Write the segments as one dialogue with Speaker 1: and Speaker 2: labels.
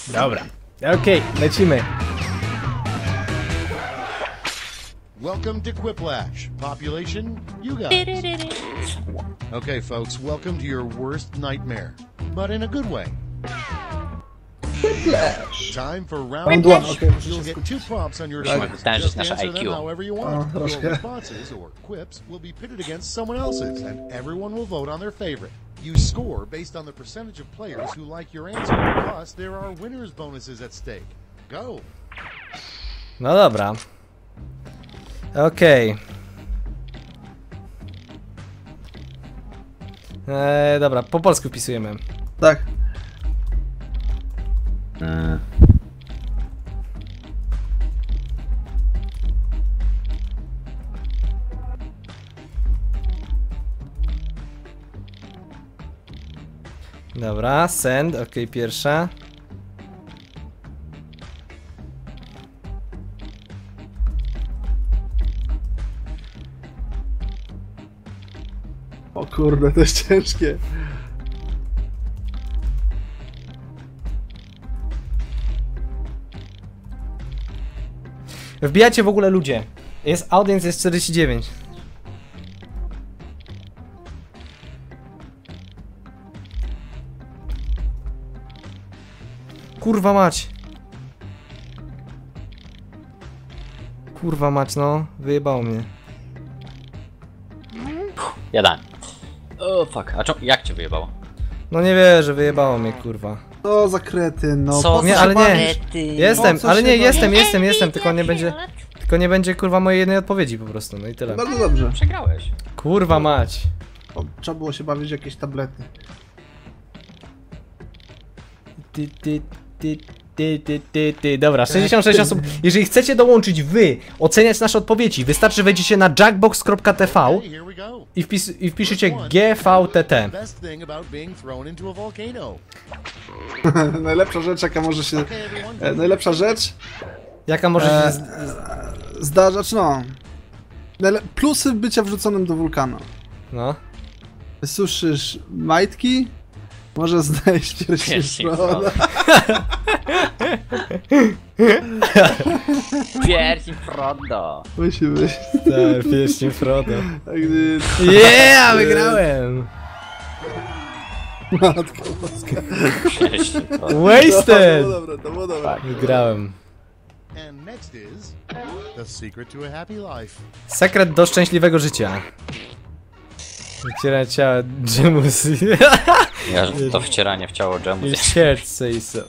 Speaker 1: Dobra. Okej, lecimy.
Speaker 2: Welcome to Quiplash. Population, you guys. Okay, folks, welcome to your worst nightmare, but in a good way.
Speaker 3: Quiplash.
Speaker 2: Time for round
Speaker 3: Round
Speaker 2: one.
Speaker 3: one, okay.
Speaker 2: You'll get 2 prompts on your
Speaker 4: Musimy
Speaker 2: device.
Speaker 4: wytężyć
Speaker 2: Just
Speaker 4: nasze
Speaker 2: answer them
Speaker 4: IQ.
Speaker 2: however you want. Your
Speaker 3: troszkę.
Speaker 2: responses or quips will be pitted against someone else's, and everyone will vote on their favorite. You score based on the percentage of players who like your answer. Plus, there are winners' bonuses at stake. Go.
Speaker 1: No dobra. Okej. Dobra, po polsku wpisujemy.
Speaker 3: Tak.
Speaker 1: Dobra, send, okej, pierwsza.
Speaker 3: O kurde, to jest ciężkie.
Speaker 1: Wbijacie w ogóle ludzie. Audience jest 49. Kurwa mać. Kurwa mać, no. Wyjebało mnie.
Speaker 4: Jeden. O fuck, a jak cię wyjebało?
Speaker 1: No nie wierzę, wyjebało mnie, kurwa.
Speaker 3: O, za kretyn, no.
Speaker 4: Co?
Speaker 3: Po
Speaker 1: Nie,
Speaker 3: się
Speaker 1: ale nie.
Speaker 3: bawisz?
Speaker 1: Jestem,
Speaker 3: Po co
Speaker 1: ale
Speaker 3: się
Speaker 1: nie,
Speaker 3: bawisz?
Speaker 1: jestem, tylko nie będzie... Tylko nie będzie, kurwa, mojej jednej odpowiedzi po prostu, no i tyle.
Speaker 3: Bardzo dobrze.
Speaker 4: Przegrałeś.
Speaker 1: Kurwa mać.
Speaker 3: O, trzeba było się bawić w jakieś tablety.
Speaker 1: Dobra, 66 osób. Jeżeli chcecie dołączyć wy, oceniać nasze odpowiedzi, wystarczy wejdziecie na jackbox.tv
Speaker 2: Hey, here we go.
Speaker 1: i wpiszecie GVTT.
Speaker 2: Best thing about being thrown into a volcano.
Speaker 3: Najlepsza rzecz, jaka może się...
Speaker 2: Okay, everyone.
Speaker 3: Najlepsza rzecz
Speaker 1: Jaka może się...
Speaker 3: zdarzać, no. Plusy bycia wrzuconym do wulkanu.
Speaker 1: No.
Speaker 3: Wysuszysz majtki, może znaleźć pierścień
Speaker 4: Pierścień
Speaker 3: Froda.
Speaker 4: Pierścień Frodo.
Speaker 3: Musi być.
Speaker 1: Tak, pierścień Frodo.
Speaker 3: A gdy...
Speaker 1: Yeah, wygrałem!
Speaker 3: Matko boska.
Speaker 4: Pierścień Frodo.
Speaker 3: To
Speaker 1: Wasted!
Speaker 3: było dobre, to było dobre.
Speaker 1: Wygrałem.
Speaker 2: And next is the secret to a happy life.
Speaker 1: Sekret do szczęśliwego życia. Wycieranie ciała Gemus.
Speaker 4: Ja, to wcieranie w ciało dżemu.
Speaker 1: You scared say so.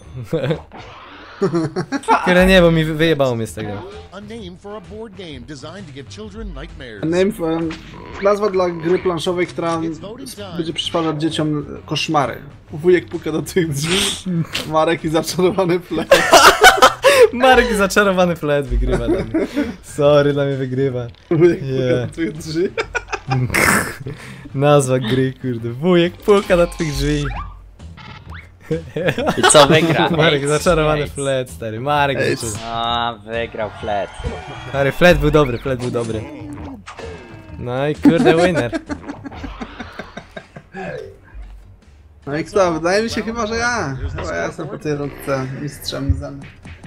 Speaker 1: Które nie, bo mi wyjebało mnie z tego.
Speaker 2: A name for a board game designed to give children nightmares.
Speaker 3: Nazwa dla gry planszowej, która
Speaker 2: It's voting time.
Speaker 3: będzie przysparzać dzieciom koszmary. Wujek puka do tych drzwi, Marek i zaczarowany flet.
Speaker 1: Marek zaczarowany flet wygrywa dla mnie. Sorry, dla mnie wygrywa.
Speaker 3: Wujek puka
Speaker 1: Yeah.
Speaker 3: do tych drzwi.
Speaker 1: Nazwa gry, kurde. Wujek puka na twych drzwi.
Speaker 4: I co wygra?
Speaker 1: Marek
Speaker 4: Ej,
Speaker 1: zaczarowany
Speaker 4: ej.
Speaker 1: flet, stary. Marek
Speaker 3: Ej,
Speaker 1: zaczarowany.
Speaker 4: A, wygrał flet.
Speaker 1: Stary, flet był dobry, flet był dobry. No i kurde, winner.
Speaker 3: No i kto? Wydaje mi się chyba, że ja. Chyba ja jestem po tej rundce mistrzem zem.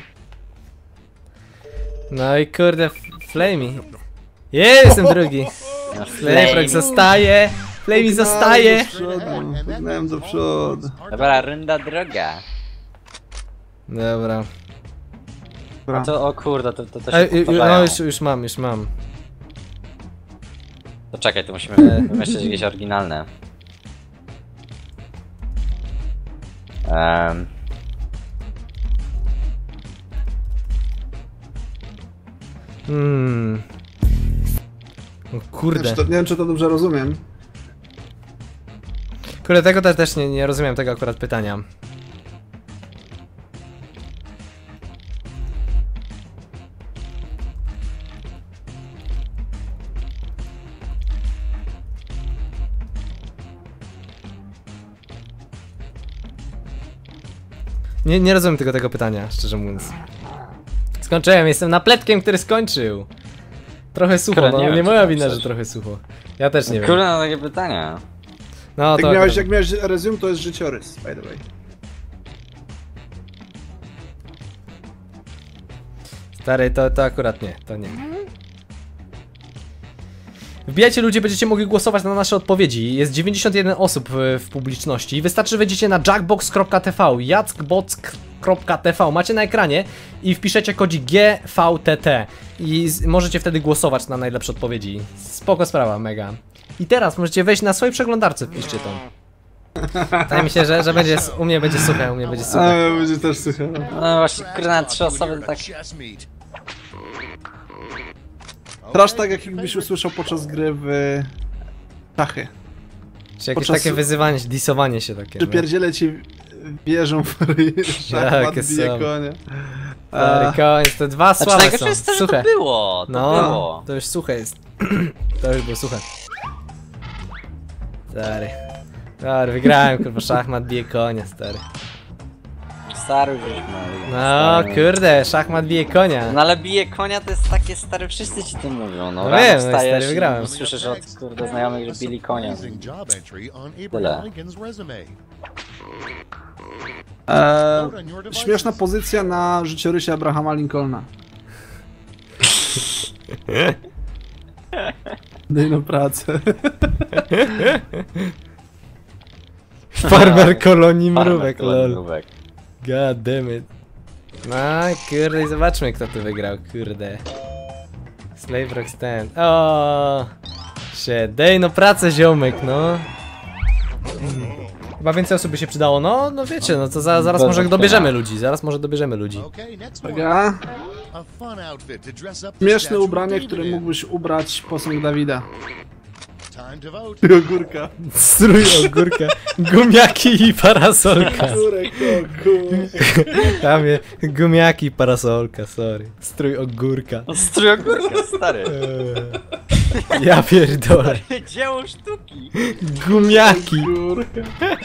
Speaker 1: No i kurde, Flamey. Jestem drugi. Flamey zostaje. Flamey zostaje.
Speaker 3: Do przodu, pognałem do przodu.
Speaker 4: Dobra, runda droga.
Speaker 1: Dobra.
Speaker 3: Dobra.
Speaker 4: To, o kurde, to się
Speaker 1: No
Speaker 4: powtarzają.
Speaker 1: już mam.
Speaker 4: To czekaj, tu musimy wymyślić jakieś oryginalne.
Speaker 1: O kurde.
Speaker 3: Nie wiem, czy to dobrze rozumiem.
Speaker 1: Kurde, tego też nie rozumiem tego akurat pytania. Nie rozumiem tego pytania, szczerze mówiąc. Skończyłem, jestem napletkiem, który skończył. Trochę sucho,
Speaker 4: Kurde,
Speaker 1: no
Speaker 4: nie
Speaker 1: nie,
Speaker 4: wiem, co
Speaker 1: moja
Speaker 4: tam
Speaker 1: wina,
Speaker 4: pisać.
Speaker 1: że trochę sucho. Ja też nie wiem.
Speaker 4: Kurde, na takie pytania.
Speaker 1: No to
Speaker 3: Jak miałeś resume, to jest życiorys, by the way.
Speaker 1: Stary, to akurat nie, to nie. Wbijajcie ludzie, będziecie mogli głosować na nasze odpowiedzi. Jest 91 osób w publiczności. Wystarczy, że wejdziecie na jackbox.tv, jackbox.tv, macie na ekranie i wpiszecie kodzik GVTT i możecie wtedy głosować na najlepsze odpowiedzi. Spoko sprawa, mega. I teraz możecie wejść na swojej przeglądarce, wpiszcie to. Wydaje mi się, że będzie, u mnie będzie suche,
Speaker 3: A, będzie też suche.
Speaker 4: No właśnie, kurde, na 3 osoby to tak...
Speaker 3: Trash tak, jakbyś usłyszał podczas gry w szachy.
Speaker 1: Czy jakieś
Speaker 3: podczas-
Speaker 1: takie wyzywanie, disowanie się takie.
Speaker 3: Czy pierdziele ci wierzą w szachmat,
Speaker 1: Jakie
Speaker 3: bije
Speaker 1: są.
Speaker 3: konie.
Speaker 1: Stary koniec, te dwa
Speaker 4: Znaczy
Speaker 1: słabe
Speaker 4: najgorsze
Speaker 1: są,
Speaker 4: jest to, że
Speaker 1: suche.
Speaker 4: to było, to było.
Speaker 1: To już suche jest. To już było suche. Stary. Stary, wygrałem, kurwa, szachmat bije konia, stary.
Speaker 4: Stary już no.
Speaker 1: No, kurde, szachmat bije konia.
Speaker 4: No ale bije konia to jest takie stare, wszyscy ci to mówią, no.
Speaker 1: No
Speaker 4: Rano
Speaker 1: wiem, no i
Speaker 4: wstajesz
Speaker 1: stary, wygrałem.
Speaker 4: i słyszysz od kurde znajomych, że bili konia.
Speaker 2: Amazing job entry on
Speaker 4: Tyle.
Speaker 2: Abraham Lincoln's resume. Vote on your devices.
Speaker 3: Śmieszna pozycja na życiorysie Abrahama Lincolna. Daj na pracę.
Speaker 1: Farmer kolonii mrówek, lol.
Speaker 4: Mrówek.
Speaker 1: God damn it. No, kurde, i zobaczmy, kto tu wygrał, kurde. Slave Rock Stand. O, shit, daj no pracę, ziomek, no. Chyba więcej osób by się przydało, no wiecie, no to zaraz może dobierzemy ludzi,
Speaker 2: Okay, next one.
Speaker 3: Uwaga.
Speaker 2: A fun outfit to dress up the
Speaker 3: Śmieszne
Speaker 2: statue of
Speaker 3: ubranie,
Speaker 2: David
Speaker 3: które
Speaker 2: in.
Speaker 3: mógłbyś ubrać posąg Dawida.
Speaker 2: Time to vote.
Speaker 3: I ogórka.
Speaker 1: Strój, ogórka, gumiaki i parasolka.
Speaker 3: Ogórek, ogórek.
Speaker 1: Tam jest gumiaki i parasolka, sorry. Strój ogórka.
Speaker 4: No strój ogórka, stary.
Speaker 1: Ja pierdolę.
Speaker 4: Dzieło sztuki.
Speaker 1: Gumiaki.
Speaker 3: Ogórka.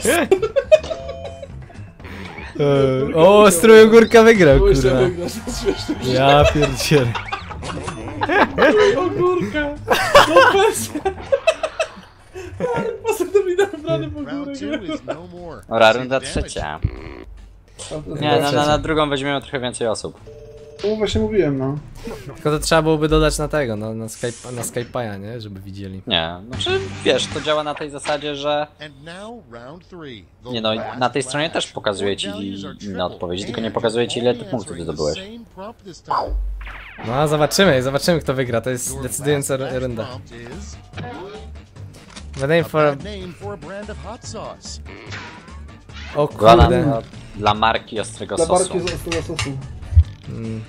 Speaker 1: O, strój ogórka wygrał,
Speaker 3: Muszę
Speaker 1: kurwa.
Speaker 3: wygrać, to jest śmieszne.
Speaker 1: Ja pierdzielę.
Speaker 3: Ogórka. No bez. Posąg Dawida wybrany w
Speaker 2: Round
Speaker 3: ogórek.
Speaker 2: 2 is no more.
Speaker 4: Dobra, runda
Speaker 2: Save damage.
Speaker 4: trzecia. Nie, na drugą weźmiemy trochę więcej osób.
Speaker 3: No właśnie mówiłem, no.
Speaker 1: Tylko to trzeba byłoby dodać na tego, no, na Skype'a, nie? Żeby widzieli.
Speaker 4: Nie, znaczy wiesz, to działa na tej zasadzie, że
Speaker 2: And now round 3. The
Speaker 4: nie no,
Speaker 2: last
Speaker 4: na tej stronie też
Speaker 2: flash.
Speaker 4: pokazuje ci
Speaker 2: Values are
Speaker 4: inne
Speaker 2: triple.
Speaker 4: odpowiedzi, tylko nie
Speaker 2: And
Speaker 4: pokazuje ci ile
Speaker 2: only
Speaker 4: ty punktów
Speaker 2: answering the
Speaker 4: zdobyłeś.
Speaker 2: same prompt this time.
Speaker 1: No, zobaczymy, kto wygra. To jest
Speaker 2: Your
Speaker 1: decydująca
Speaker 2: last flash
Speaker 1: runda.
Speaker 2: prompt is
Speaker 1: The name
Speaker 2: a
Speaker 1: for...
Speaker 2: bad name for a brand of hot sauce.
Speaker 1: O
Speaker 4: Dla,
Speaker 1: kurde.
Speaker 4: dla marki ostrego
Speaker 3: Dla
Speaker 4: sosu.
Speaker 3: barki z ostrego sosu.
Speaker 1: Mm.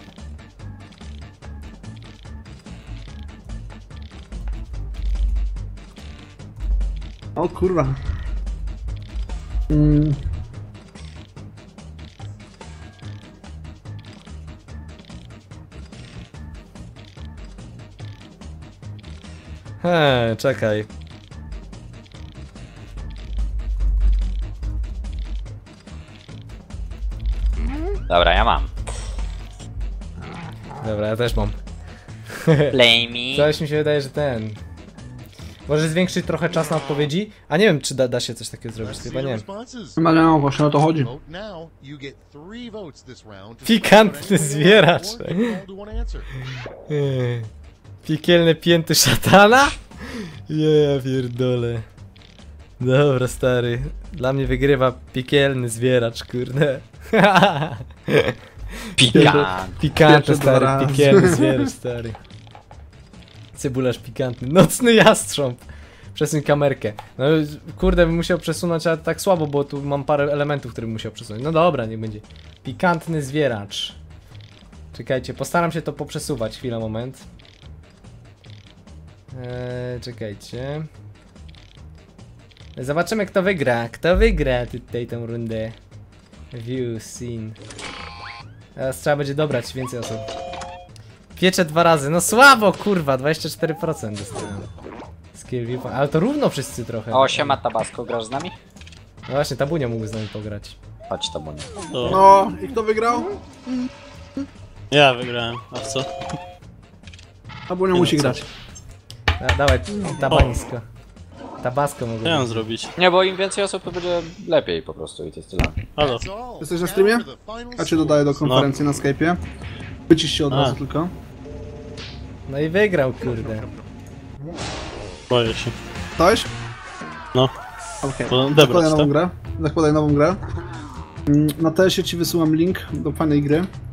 Speaker 3: O kurwa.
Speaker 1: Czekaj.
Speaker 4: Dobra, ja mam.
Speaker 1: Dobra, ja też mam.
Speaker 4: Play me.
Speaker 1: Coś mi się wydaje, że ten... Może zwiększyć trochę czas na odpowiedzi? A nie wiem, czy da się coś takiego zrobić,
Speaker 2: Let's
Speaker 1: chyba
Speaker 2: see the
Speaker 1: nie.
Speaker 2: responses.
Speaker 3: No, no właśnie o to chodzi.
Speaker 2: Vote now. You get 3 votes this round. to
Speaker 1: Pikantny
Speaker 2: select anyone you
Speaker 1: zwieracz.
Speaker 2: want or keep all to one answer.
Speaker 1: Piekielne pięty szatana? Ja pierdolę. Dobra, stary. Dla mnie wygrywa piekielny zwieracz, kurde.
Speaker 4: Pikant.
Speaker 1: Pikantny,
Speaker 3: Pierwsze dwa
Speaker 1: stary,
Speaker 3: razy.
Speaker 1: piekielny zwieracz, stary. Cebularz pikantny. Nocny jastrząb. Przesuń kamerkę. No kurde, bym musiał przesunąć, ale tak słabo, bo tu mam parę elementów, które bym musiał przesunąć. No dobra, niech będzie. Pikantny zwieracz. Czekajcie, postaram się to poprzesuwać. Chwila, moment. Czekajcie. Zobaczymy, kto wygra. Kto wygra tutaj tę rundę. View, scene. Teraz trzeba będzie dobrać więcej osób. Piecze 2 razy. No słabo, kurwa. 24% dostałem. Skill view. Ale to równo wszyscy trochę.
Speaker 4: O, siema Tabasco, grasz z nami?
Speaker 1: No właśnie, Tabunio mógł z nami pograć.
Speaker 4: Chodź Tabunie.
Speaker 3: No, i kto wygrał?
Speaker 5: Ja wygrałem, a w co?
Speaker 3: Albo nie musi grać.
Speaker 1: Dawaj, tabańsko. Tabasco mogło
Speaker 5: Co ja mam
Speaker 1: być.
Speaker 5: zrobić?
Speaker 4: Nie, bo im więcej osób to będzie lepiej po prostu i to jest tyle.
Speaker 5: Halo.
Speaker 2: That's all.
Speaker 3: Jesteś na
Speaker 2: Now
Speaker 3: streamie?
Speaker 2: for the final
Speaker 3: Ja cię dodaję do
Speaker 2: scores.
Speaker 3: konferencji na Skype'ie. Wycisz się od
Speaker 5: A.
Speaker 3: razu tylko.
Speaker 1: No i wygrał, kurde.
Speaker 5: Boję się.
Speaker 3: Ktoś?
Speaker 5: No.
Speaker 3: Okej.
Speaker 5: To
Speaker 3: Zakładaj
Speaker 5: Debrać,
Speaker 3: nową
Speaker 5: tak?
Speaker 3: grę. Zakładaj nową grę. Na TS-ie ci wysyłam link do fajnej gry.